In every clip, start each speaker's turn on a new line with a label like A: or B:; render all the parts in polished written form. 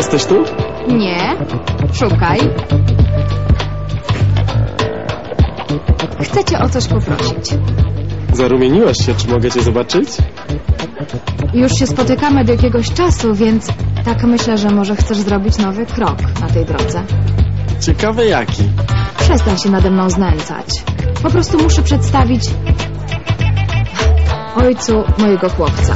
A: Jesteś tu?
B: Nie. Szukaj. Chcę cię o coś poprosić.
A: Zarumieniłaś się, czy mogę cię zobaczyć?
B: Już się spotykamy od jakiegoś czasu, więc tak myślę, że może chcesz zrobić nowy krok na tej drodze.
A: Ciekawe jaki.
B: Przestań się nade mną znęcać. Po prostu muszę przedstawić ojcu mojego chłopca.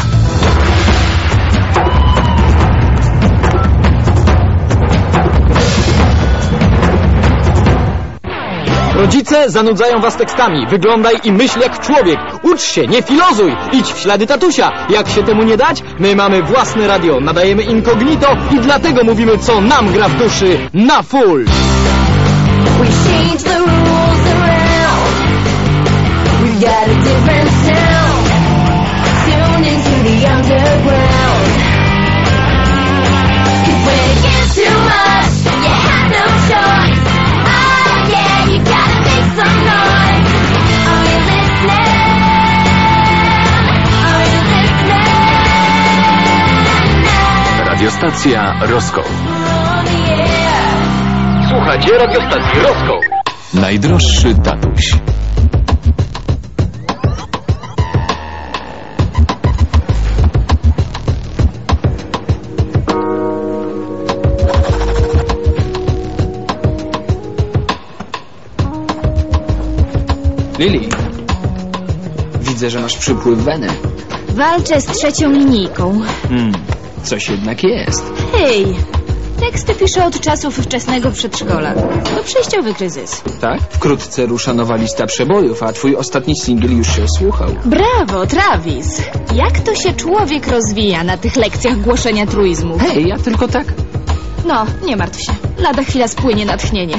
C: Rodzice zanudzają was tekstami. Wyglądaj i myśl jak człowiek. Ucz się, nie filozuj. Idź w ślady tatusia. Jak się temu nie dać? My mamy własne radio, nadajemy incognito i dlatego mówimy, co nam gra w duszy na full.
D: We change the rules around. We've got a different sound. Tune into the underground. 'Cause when it gets too much, you have no choice. Oh yeah, you gotta make some noise. Are you listening? Are you listening?
E: Radiostacja Roskoł.
D: On the air.
C: Słuchajcie radiostacji Roskoł.
E: Najdroższy tatuś.
C: Lili, widzę, że masz przypływ weny.
F: Walczę z trzecią linijką.
C: Coś jednak jest.
F: Hej, teksty piszę od czasów wczesnego przedszkola. To przejściowy kryzys.
C: Tak? Wkrótce rusza nowa lista przebojów, a twój ostatni singiel już się słuchał.
F: Brawo, Travis! Jak to się człowiek rozwija na tych lekcjach głoszenia truizmów?
C: Hej, ja tylko tak.
F: No, nie martw się. Lada chwila spłynie natchnienie.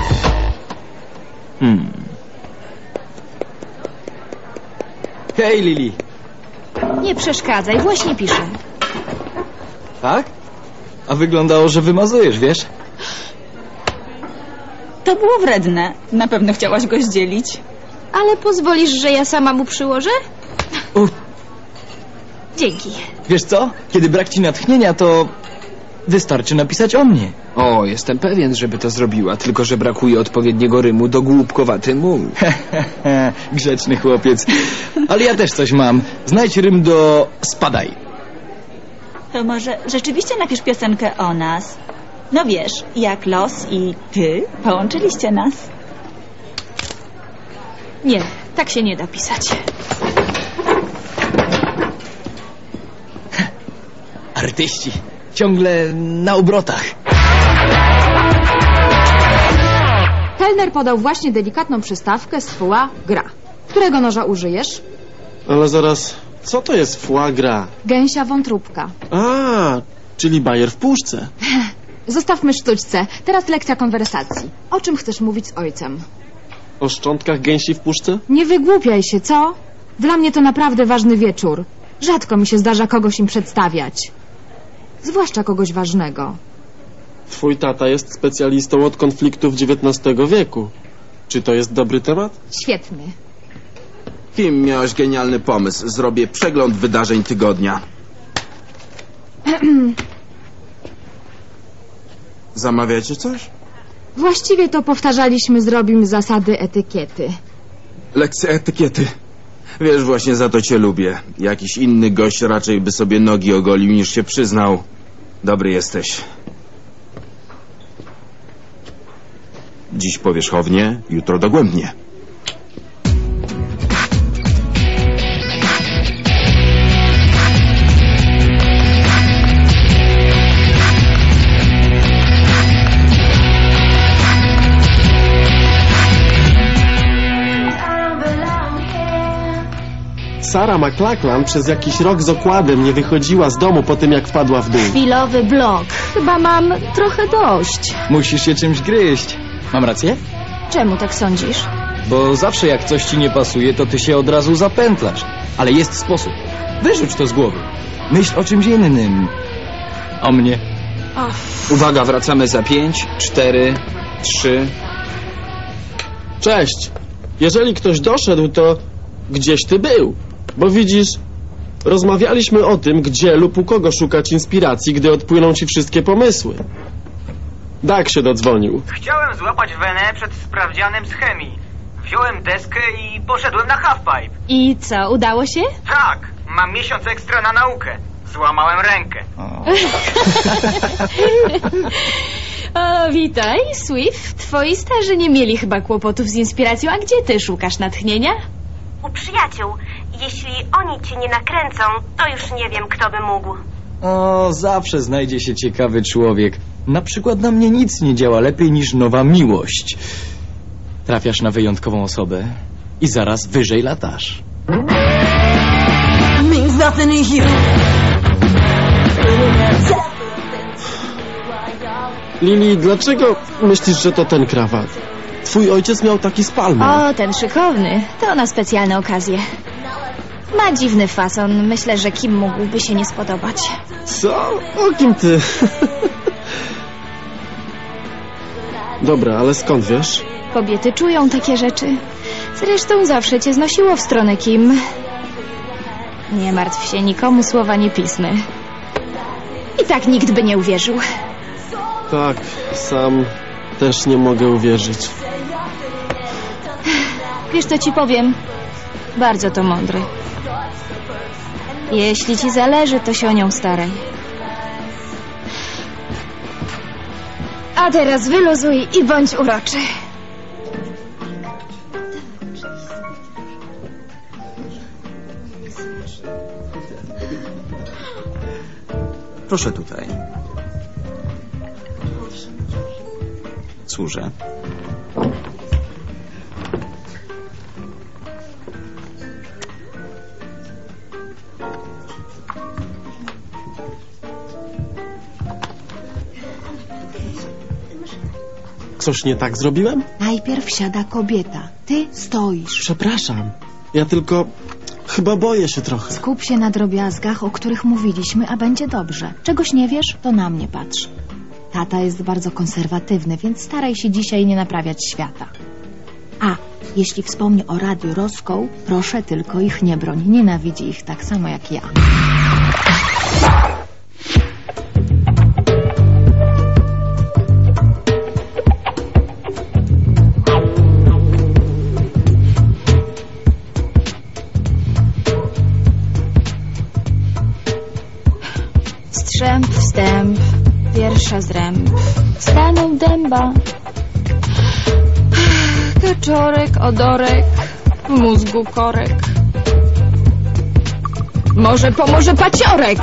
C: Hej, Lili.
F: Nie przeszkadzaj, właśnie piszę.
C: Tak? A wyglądało, że wymazujesz, wiesz?
G: To było wredne. Na pewno chciałaś go zdzielić.
F: Ale pozwolisz, że ja sama mu przyłożę? Dzięki.
C: Wiesz co? Kiedy brak ci natchnienia, to wystarczy napisać o mnie. O, jestem pewien, żeby to zrobiła, tylko że brakuje odpowiedniego rymu do głupkowaty muł. Grzeczny chłopiec. Ale ja też coś mam. Znajdź rym do spadaj.
G: To może rzeczywiście napisz piosenkę o nas. No wiesz, jak los i ty połączyliście nas.
F: Nie, tak się nie da pisać.
C: Artyści. Ciągle na obrotach.
B: Kelner podał właśnie delikatną przystawkę z foie gras. Którego noża użyjesz?
A: Ale zaraz, co to jest foie gras?
B: Gęsia wątróbka.
A: A, czyli bajer w puszce.
B: Zostawmy sztućce. Teraz lekcja konwersacji. O czym chcesz mówić z ojcem?
A: O szczątkach gęsi w puszce?
B: Nie wygłupiaj się, co? Dla mnie to naprawdę ważny wieczór. Rzadko mi się zdarza kogoś im przedstawiać. Zwłaszcza kogoś ważnego.
A: Twój tata jest specjalistą od konfliktów XIX wieku. Czy to jest dobry temat?
B: Świetny.
H: Kim miałeś genialny pomysł? Zrobię przegląd wydarzeń tygodnia. Zamawiacie coś?
B: Właściwie to powtarzaliśmy z Robim zasady etykiety.
H: Lekcja etykiety. Wiesz, właśnie za to cię lubię. Jakiś inny gość raczej by sobie nogi ogolił, niż się przyznał. Dobry jesteś. Dziś powierzchownie, jutro dogłębnie.
A: Sarah McLachlan przez jakiś rok z okładem nie wychodziła z domu po tym, jak wpadła w dół.
F: Chwilowy blok. Chyba mam trochę dość.
C: Musisz się czymś gryźć. Mam rację?
F: Czemu tak sądzisz?
C: Bo zawsze jak coś ci nie pasuje, to ty się od razu zapętlasz. Ale jest sposób. Wyrzuć to z głowy. Myśl o czymś innym. O mnie. Uwaga, wracamy za 5, 4, 3.
A: Cześć. Jeżeli ktoś doszedł, to gdzieś ty był. Bo widzisz, Rozmawialiśmy o tym, gdzie lub u kogo szukać inspiracji, gdy odpłyną ci wszystkie pomysły. Dak się dodzwonił.
I: Chciałem złapać wenę przed sprawdzianem z chemii. Wziąłem deskę i poszedłem na halfpipe.
F: I co, udało się?
I: Tak, mam miesiąc ekstra na naukę. Złamałem rękę.
F: O, witaj, Swift. Twoi starzy nie mieli chyba kłopotów z inspiracją. A gdzie ty szukasz natchnienia?
J: U przyjaciół. Jeśli oni cię nie nakręcą, to już nie wiem, kto by mógł.
C: O, zawsze znajdzie się ciekawy człowiek. Na przykład na mnie nic nie działa lepiej niż nowa miłość. Trafiasz na wyjątkową osobę i zaraz wyżej latasz.
A: Lili, dlaczego myślisz, że to ten krawat? Twój ojciec miał taki z palmy.
F: O, ten szykowny. To na specjalne okazje. Ma dziwny fason. Myślę, że kim mógłby się nie spodobać.
A: Co? O kim ty? Dobra, ale skąd wiesz?
F: Kobiety czują takie rzeczy. Zresztą zawsze cię znosiło w stronę Kim. Nie martw się, nikomu słowa nie pisnę. I tak nikt by nie uwierzył.
A: Tak, sam też nie mogę uwierzyć.
F: Wiesz, co ci powiem? Bardzo to mądry. Jeśli ci zależy, to się o nią staraj. A teraz wyluzuj i bądź uroczy.
K: Proszę tutaj. Służę.
A: Coś nie tak zrobiłem?
L: Najpierw siada kobieta. Ty stoisz.
A: Przepraszam. Ja tylko... chyba boję się trochę.
L: Skup się na drobiazgach, o których mówiliśmy, a będzie dobrze. Czegoś nie wiesz, to na mnie patrz. Tata jest bardzo konserwatywny, więc staraj się dzisiaj nie naprawiać świata. A, jeśli wspomni o Radiu Roscoe, proszę tylko ich nie broń. Nienawidzi ich tak samo jak ja.
F: Strzęp, wstęp, pierwsza zręb. Stanął dęba. Kaczorek, odorek, w mózgu korek. Może pomoże paciorek.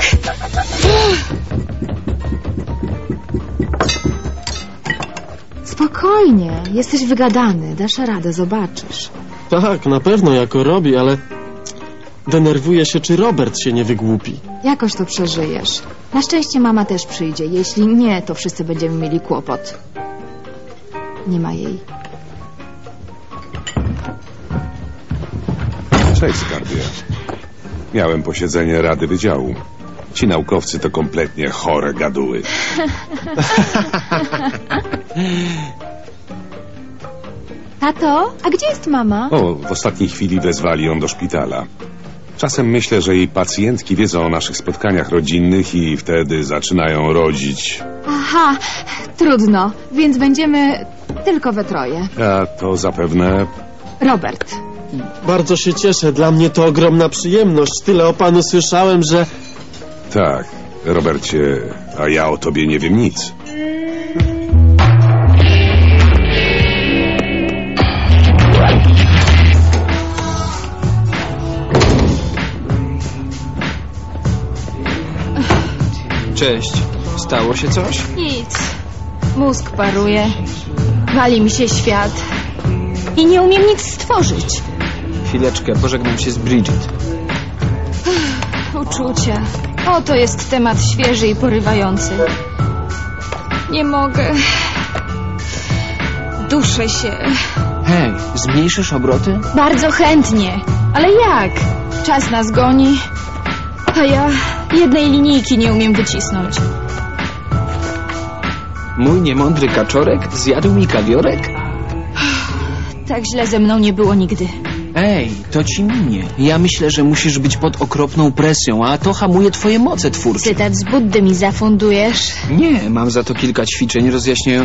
L: Spokojnie, jesteś wygadany, dasz radę, zobaczysz.
A: Tak, na pewno jako robi, ale... denerwuję się, czy Robert się nie wygłupi.
L: Jakoś to przeżyjesz. Na szczęście mama też przyjdzie. Jeśli nie, to wszyscy będziemy mieli kłopot. Nie ma jej.
M: Cześć, skarbie. Miałem posiedzenie Rady Wydziału. Ci naukowcy to kompletnie chore gaduły.
L: Tato, a gdzie jest mama?
M: O, w ostatniej chwili wezwali ją do szpitala. Czasem myślę, że jej pacjentki wiedzą o naszych spotkaniach rodzinnych i wtedy zaczynają rodzić.
L: Aha, trudno, więc będziemy tylko we troje.
M: A to zapewne...
L: Robert.
A: Bardzo się cieszę, dla mnie to ogromna przyjemność. Tyle o panu słyszałem, że...
M: Tak, Robercie, a ja o tobie nie wiem nic.
C: Cześć. Stało się coś?
F: Nic. Mózg paruje. Wali mi się świat. I nie umiem nic stworzyć.
C: Chwileczkę, pożegnam się z Bridget.
F: Uczucia. Oto jest temat świeży i porywający. Nie mogę. Duszę się.
C: Hej, zmniejszysz obroty?
F: Bardzo chętnie. Ale jak? Czas nas goni. A ja jednej linijki nie umiem wycisnąć.
C: Mój niemądry kaczorek zjadł mi kawiorek?
F: Tak źle ze mną nie było nigdy.
C: Ej, to ci minie. Ja myślę, że musisz być pod okropną presją, a to hamuje twoje moce twórcze.
F: Cytat z Buddy mi zafundujesz.
C: Nie, mam za to kilka ćwiczeń rozjaśniających